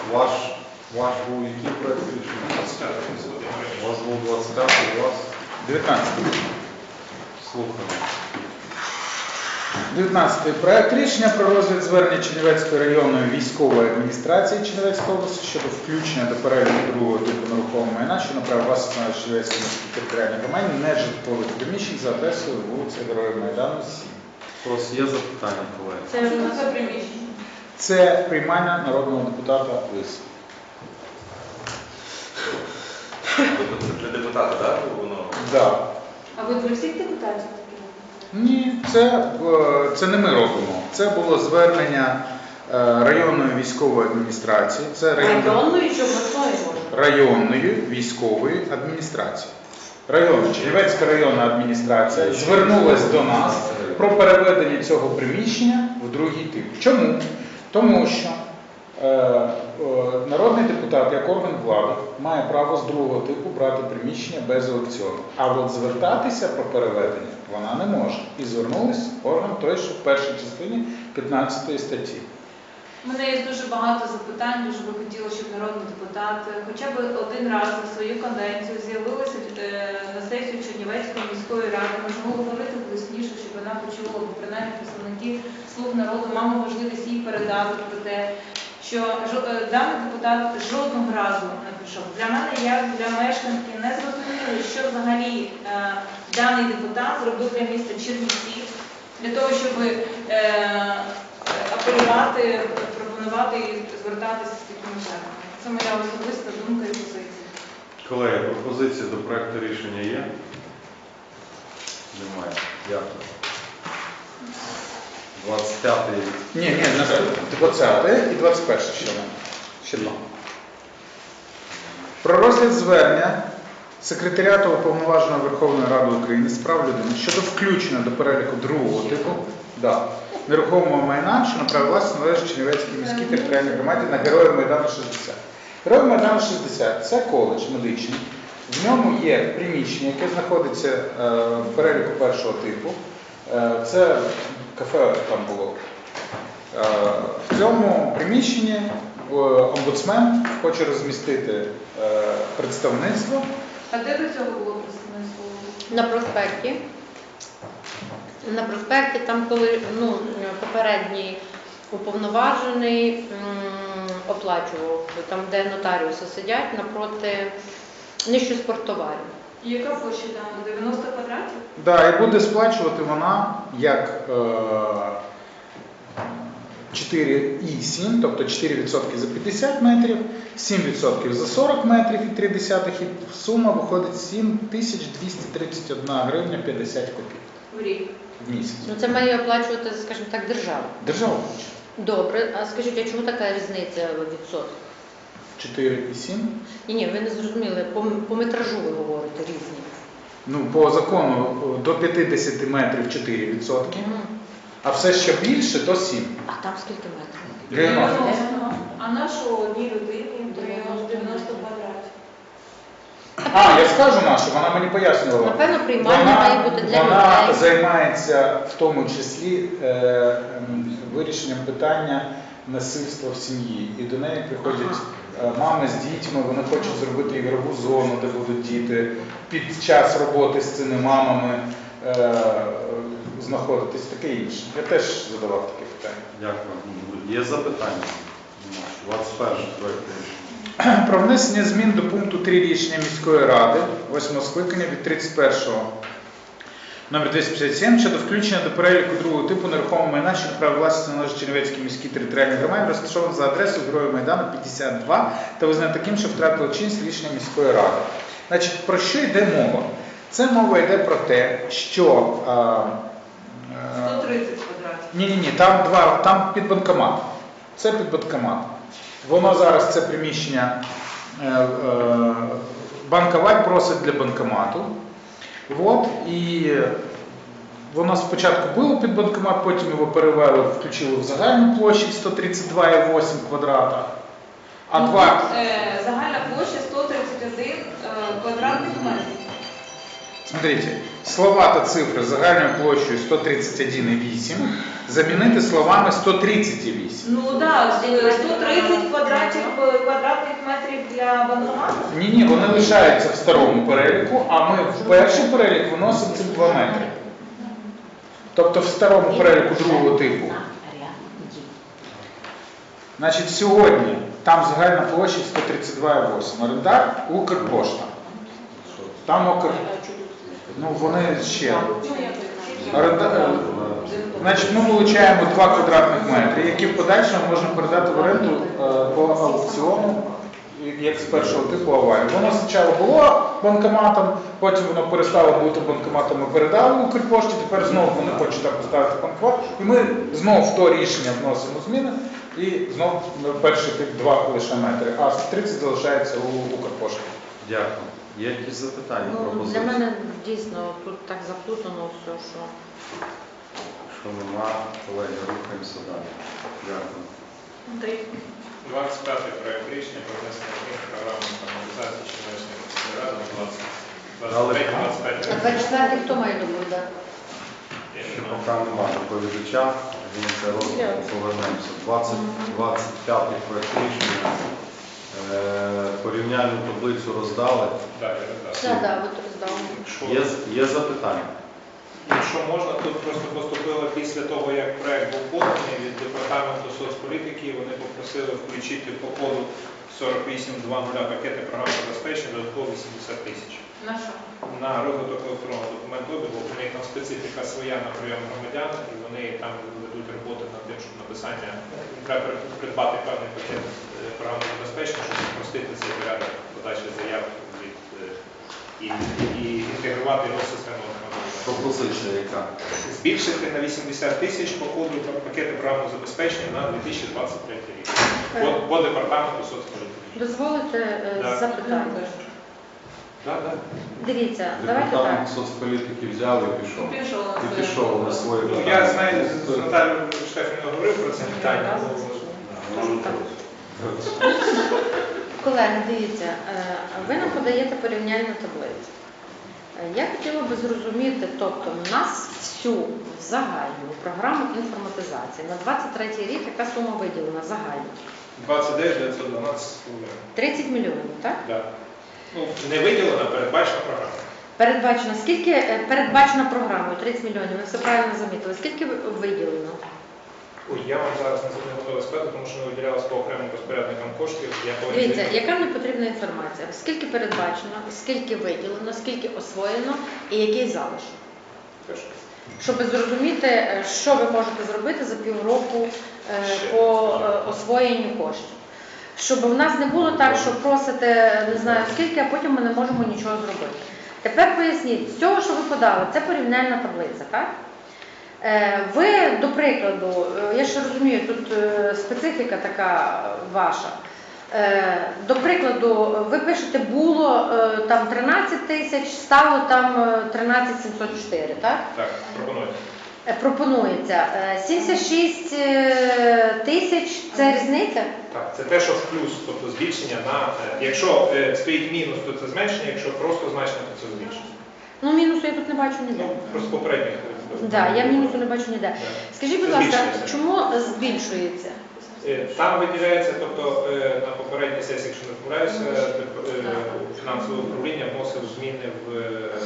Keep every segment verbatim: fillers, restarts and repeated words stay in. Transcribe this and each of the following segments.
Ваш, ваш був який проєкт рішення? У вас був двадцять п'ятий, у вас дев'ятнадцятий. слухаємо. дев'ятнадцятий. Проект рішення про розгляд звернення Чернівецької районної військової адміністрації Чернівецької області щодо включення до переліку другого типу нерухомого майна, що на право власності на Чернівецькій міській територіальній громаді нежитлових приміщень за адресою вулиця Героїв Майдану, сім. У вас є запитання, колеги? Це що це приміщення? Це приймальня народного депутата Лис. Для депутата, так? Воно? Да. А ви для всіх депутатів таке? Ні, це, е, це не ми робимо. Це було звернення е, районної військової адміністрації. Це район... Районної чи обласної може? районної військової адміністрації. Район, Чернівецька районна адміністрація звернулась до нас про переведення цього приміщення в другий тип. Чому? Тому що е, е, народний депутат, як орган влади, має право з другого типу брати приміщення без аукціону. А от звертатися про переведення вона не може. І звернулись орган той, що в першій частині п'ятнадцятої статті. У мене є дуже багато запитань, дуже би хотіла, щоб народний депутат хоча б один раз за свою каденцію з'явилася на сесію Чернівецької міської ради, можемо говорити голосніше, щоб вона почула, бо принаймні представники «Слуг народу» мали можливість їй передати про те, що даний депутат жодного разу не прийшов. Для мене, як для мешканки, не зрозуміло, що взагалі е, даний депутат зробив для міста Чернівці, для того, щоб е, апелювати, пропонувати і звертатися з такими зверненнями. Це моя особиста думка і позиція. Колеги, пропозиції до проєкту рішення є? Немає. Дякую. двадцять п'ятий. Ні, ні, двадцяте і двадцять перше ще не. Ще два. Про розгляд звернення Секретаріату Уповноваженого Верховної Ради України з прав людини щодо включення до переліку другого типу да, нерухомого майна, що на право власності належить Чернівецькій міській територіальній громаді на Героїв Майдану шістдесят. Героїв Майдану шістдесят – це коледж медичний. В ньому є приміщення, яке знаходиться е, в переліку першого типу. Е, це кафе там було. Е, в цьому приміщенні омбудсмен хоче розмістити е, представництво. А де до цього було представництво? На проспекті. На проспекті, там коли ну, попередній уповноважений м, оплачував, там де нотаріуси сидять, напроти нижче спорттоварів. І яка площа там? дев'яносто квадратів? Да, і буде сплачувати вона як е, чотири і сім, тобто чотири відсотки за п'ятдесят метрів, сім відсотків за сорок метрів і три десятих, і сума виходить сім тисяч двісті тридцять одна гривня п'ятдесят копійок В рік. в місяць. Ну це має оплачувати, скажімо так, держава. Держава хоче. Добре, а скажіть, а чому така різниця в відсотках? чотири і сім. Ні, ні, ви не зрозуміли, по, по метражу ви говорите різні. Ну, по закону до п'ятдесят метрів чотири відсотки, Угу. а все що більше, то сім. А там скільки метрів? дев'яносто. А нашу одній людині дев'яносто квадратів. А, я скажу нашу, вона мені пояснювала. Напевно, приймальня Вона, має бути для вона людей. займається в тому числі е, ем, вирішенням питання насильства в сім'ї. І до неї приходять е, мами з дітьми, вони хочуть зробити ігрову зону, де будуть діти під час роботи з цими мамами е, знаходитись, таке інше. Я теж задавав таке питання. Дякую. Є запитання? двадцять перший проєкт рішення. Про внесення змін до пункту три рішення міської ради восьмого скликання від тридцять першого номер двісті п'ятдесят сім щодо включення до переліку другого типу нерухомого майна, що на право власності належить Чернівецькій міській територіальній громаді, розташований за адресою Героїв Майдану п'ятдесят два та визнає таким, що втратило чинність рішення міської ради. Значить, про що йде мова? Це мова йде про те, що а, а, сто тридцять квадратів. ні-ні-ні, там два, там під банкомат. Це під банкомат. Воно зараз це приміщення е, е, банкомат просить для банкомату. От, і воно спочатку було під банкомат, потім його перевели, включили в загальну площу сто тридцять два і вісім квадрата. А Ну, два... е, загальна площа сто тридцять один е, квадратних метрів. Смотрите, слова та цифри загальною площею сто тридцять один і вісім замінити словами сто тридцять і вісім. Ну так, да, сто тридцять квадратів менших е, квадратних метрів для банкомату? Ні, ні, вони лишаються в старому переліку, а ми в перший перелік виносимо ці два метри. Тобто в старому переліку другого типу. Значить, сьогодні там загальна площа сто тридцять два цілих вісім десятих. Орендар Укрпошта. Там Укр... Ну, вони ще. Орендар... Значить, ми вилучаємо два квадратних метри, які в подальшому можна передати в оренду е, по аукціону, як з першого типу аварії. Воно спочатку було банкоматом, потім воно перестало бути банкоматом, ми передали Укрпошті, тепер знову вони хочуть там поставити банкомат. І ми знову в то рішення вносимо зміни, і знову перший тип два лише метри, а сто тридцять залишається у Укрпошті. Дякую. Є якісь запитання, Ну, для пропозиції? мене дійсно тут так заплутано все, що... Що нема, колеги, рухаємося далі. Дякую. Андрій. двадцять п'ятий проект рішення про внесення змін в програму інформатизації Чернівецької міської ради на двадцять двадцять три двадцять п'ять. А двадцять четвертий хто має доповідати? Поки немає доповідача, він це розвитку, повернемося. двадцять двадцять п'ятий проект рішення. Е, Порівняльну таблицю роздали. Так, я роздав. Так, так, от роздав. Якщо, Є, є запитання? якщо можна, тут просто поступило після того, як проект був поданий від департаменту соцполітики, вони попросили включити по коду сорок вісім двадцять пакети програм забезпечення додатково вісімдесят тисяч. На що? На розвиток електронного документообігу, у них там специфіка своя на прийом громадян, і вони там ведуть роботи над тим, щоб написання, ну, треба придбати певний пакет е, програмного забезпечення, щоб спростити цей порядок подачі заяв від, е, і, і інтегрувати його в систему автоматизації. Пропозиція яка? Збільшити на вісімдесят тисяч по коду пакети програмного забезпечення на дві тисячі двадцять третій рік. По, по департаменту соцполітики. Дозволите е, Да. запитання? Так, так. Дивіться, давайте так. Департамент соцполітики взяв і пішов. Пішов на І своє. пішов на своє Ну, питання. я знаю, з Наталією Штефанівною говорив про це питання. Колеги, дивіться, е, ви нам подаєте порівняльну таблицю. Е, Я хотіла би зрозуміти, тобто у нас всю загальну програму інформатизації на двадцять третій рік, яка сума виділена загальна? двадцять дев'ять дев'ятсот дванадцять гривень. тридцять мільйонів, так? Да. Ну, не виділена, передбачена програма. Передбачено, скільки е, передбачено програмою тридцять мільйонів, ви все правильно замітили, скільки ви- виділено? Ой, я вам зараз не не готовий сказати, тому що ми виділялися по окремим розпорядникам коштів. Я повинен- Дивіться, яка мені потрібна інформація? Скільки передбачено, скільки виділено, скільки освоєно і який залишок? Хорошо. Щоб зрозуміти, е, що ви можете зробити за півроку е, Ще. по е, освоєнню коштів. Щоб в нас не було так, що просите не знаю скільки, а потім ми не можемо нічого зробити. Тепер поясніть, з цього, що ви подали, це порівняльна таблиця, так? Е, Ви, до прикладу, е, я ще розумію, тут е, специфіка така ваша. Е, До прикладу, ви пишете, було е, там тринадцять тисяч, стало там е, тринадцять сімсот чотири, так? Так, пропонуйте. Е, Пропонується. Е, сімдесят шість е, тисяч – це різниця? Так, це те, що в плюс, тобто збільшення на... е, Якщо е, стоїть мінус, то це зменшення, якщо просто значення, то це збільшення. Ну, мінусу я тут не бачу ніде. Ну, просто попередніх. Так, да, я мінусу не бачу ніде. Скажіть, будь Це ласка, збільшується. чому збільшується? Е, Там виділяється, тобто е, на попередній сесії, якщо не помиляюся, деп- е, фінансове управління вносив зміни в е,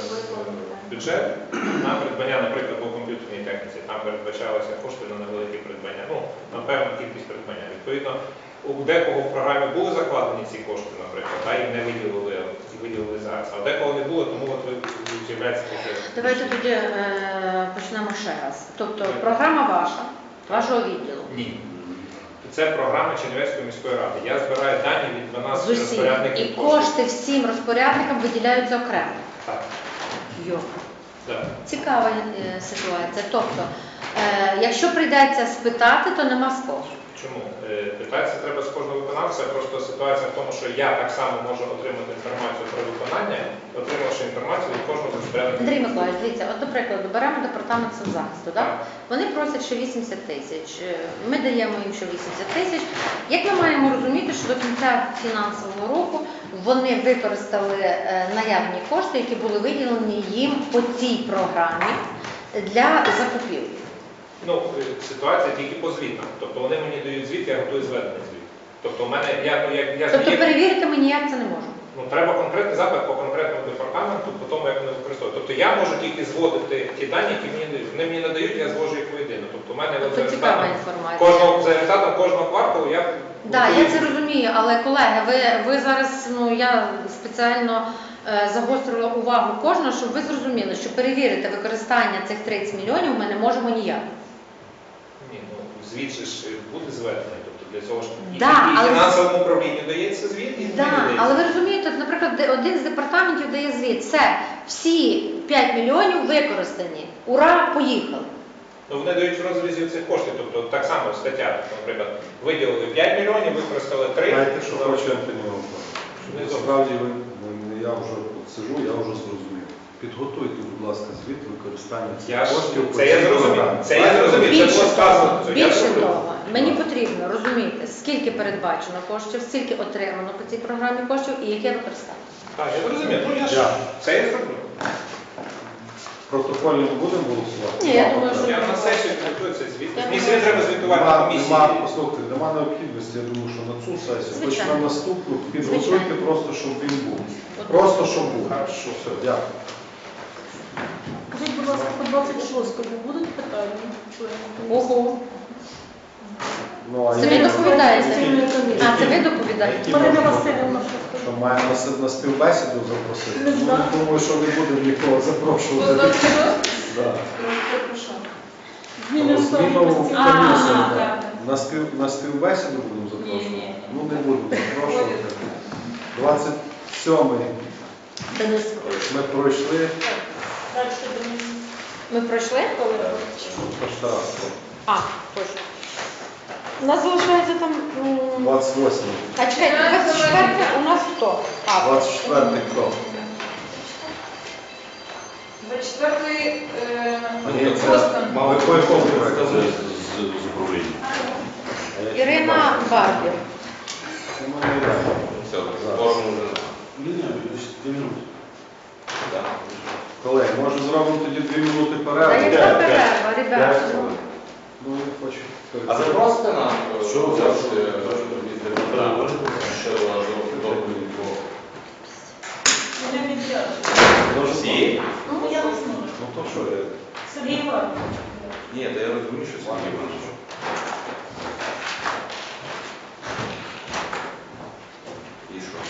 в бюджет на придбання, наприклад, по комп'ютерній техніці. Там передбачалися кошти на невеликі придбання, ну, на певну кількість придбання. Відповідно, у декого в програмі були закладені ці кошти, наприклад, та їм не виділили, і виділили зараз. А у декого не було, тому от ви з'являється таке. Давайте тоді е, почнемо ще раз. Тобто програма ваша, вашого відділу. Ні. Це програма Чернівецької міської ради. Я збираю дані від З дванадцяти усіх. розпорядників І коштів. кошти всім розпорядникам виділяються окремо. Так. Йо. Так. Цікава е, ситуація. Тобто, е, якщо прийдеться спитати, то нема з кого. Чому? Е, Питатися треба з кожного виконавця, просто ситуація в тому, що я так само можу отримати інформацію про виконання, отримавши інформацію від кожного розпорядника. Андрій Миколаївич, дивіться, от, до прикладу, беремо департамент соцзахисту, так? Так. Вони просять ще вісімдесят тисяч, е, ми даємо їм ще вісімдесят тисяч. Як ми маємо розуміти, що до кінця фінансового року вони використали е, наявні кошти, які були виділені їм по цій програмі для закупівлі? Ну, е, ситуація тільки по звітам. Тобто вони мені дають звіт, я готую зведений звіт. Тобто у мене, я, я, я Тобто змінив- перевірити ми ніяк це не можемо. ну, треба конкретний запит по конкретному департаменту, по тому, як вони використовують. Тобто я можу тільки зводити ті дані, які мені дають. Вони мені надають, я звожу їх воєдино. Тобто у мене от за Тобто цікава результатом інформація. кожного, за результатом кожного кварталу я... Так, я це розумію, але колеги, ви, ви зараз, ну я спеціально е, загострила увагу кожного, щоб ви зрозуміли, що перевірити використання цих тридцять мільйонів ми не можемо ніяк. Ні, ну, звіт же ж буде зведений. Тобто для цього ж і, Да, і але- фінансовому управлінню дається звіт, і мені Так, дається. але ви розумієте, от, наприклад, де- один з департаментів дає звіт, все, всі п'ять мільйонів використані, ура, поїхали. Ну, вони дають в розрізі цих коштів, тобто так само стаття, наприклад, виділили п'ять мільйонів, використали три. Знаєте, що Ну, хочу Антоніна Не Насправді ви, ви- я вже от сижу, я вже зрозумів. Підготуйте, будь ласка, звіт використання цих Я ж, коштів. по це я цій зрозумів, програмі. це я зрозумів, це Більше було сказано. того, це я більше зрозумів. того, мені потрібно розуміти, скільки передбачено коштів, скільки отримано по цій програмі коштів і яке використання. Так, я зрозумів, ну я ж, Дякую. це я зроблю. Протокольно не будемо голосувати? Ні, я думаю, що- Я на сесію підготую цей звіт. Я Мені думаю, сьогодні треба звітувати на Нема, комісії. нема, послухайте, нема необхідності, я думаю, що на цю сесію, хоч Звичайно. на наступну, підготуйте Звичайно. просто, щоб він був. От. Просто, щоб був. Все, дякую. Скажіть, будь ласка, по двадцять шостому будуть питання? Ого, Ну, а це ви я- доповідаєте? Спільної комісії. А, це ви доповідаєте? Які Марина можна Васильівна, що Що скажете? маємо на, на співбесіду запросити? Не Ну, знаю. думаю, що не будемо нікого запрошувати. Да. Зміни в складі Зміну в постійно. А, комісію, ага, да. так. На, спів, на співбесіду будемо запрошувати? Ні, ні. Ну не будемо запрошувати. двадцять сьомий Денис, ми пройшли. Далі Денис. ми пройшли? Перший раз. А, точно. У нас залишається там... м, двадцять восьмий. А чекайте, двадцять четверте у нас хто? А, двадцять четвертий хто? двадцять четвертий е, Ні, це Бостон. мали по якому проєкту? з управління. А я ще не Ірина бачив. Барбір. Ну, не знаю. Все, форму вже. Ні, ні, дві минути. Так. Колеги, може зробимо тоді дві минути Та перерви? яка перерва, ребята? Ну, я хочу. А запросите нам, Що ви завжди Так. що доповідь по Вони віддячні. Може, всі? Ну, я не знаю. Ну то що, я- Сергій Іванович. Ні, та я розумію, що Сергій Іванович. І що?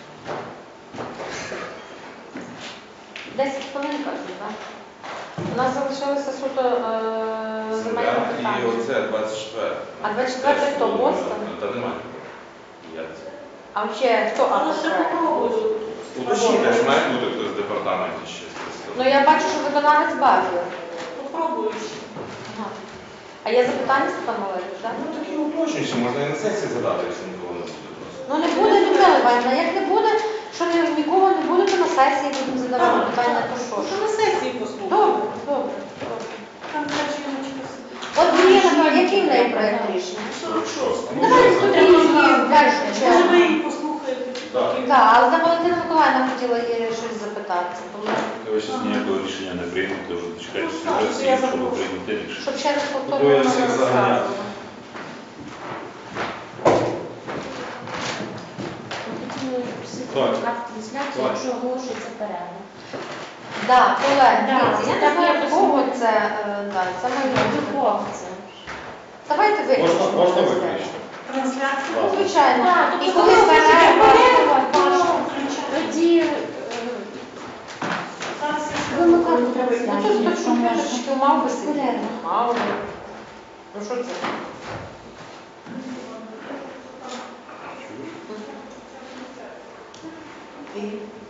десять хвилин, кажуть, так? У нас залишилося суто е, земельне Земля і питання. оце двадцять четверте. А двадцять четверте хто, Бостон? Та немає. Я це. А ще хто Але автор ще проекту? попробую. Уточніте, ж має бути хтось з департаменту ще. Ну я бачу, що виконавець Барбір. Попробую ще. Ага. А є запитання, Степан Валерійович, так? Ну такі уточнюючі, можна і на сесії задати, якщо нікого не буде просто. Ну не буде, Людмила Іванівна, як не буде, що ні, нікого не буде, то на сесії будемо задавати Так, питання, то так. що? Що на сесії послухати? Добре, добре, добре. Там ця жіночка сидить. От Марія, який в неї проєкт рішення? сорок шоста. Ну, давайте тоді її в першу Може, ви чергу. її послухаєте? Так. Так, але за Валентина Миколаївна хотіла її щось запитати, тому Ви ще ніякого рішення не приймете, вже дочекайте Ну, так, сесії, я щоб запрошую. прийняти рішення. щоб ще раз Буду я повторно всіх заганяти. Так. Трансляцію, якщо оголошується перерва. Так, колеги, Да, дивіться, я не так знаю, якось кого буде. це, е, да, це має бути. Духовці. Давайте виключимо. Можна, можна це все. виключити. Трансляцію. Ну, звичайно. Так, І тобто коли коли перерва, перерва, то Прошу включати. тоді е, Зараз я вимикати ну тут трансляцію, хтось якщо можна. комп'ютерчики мав би сидіти. Перерва. Мав би. Ну що це? І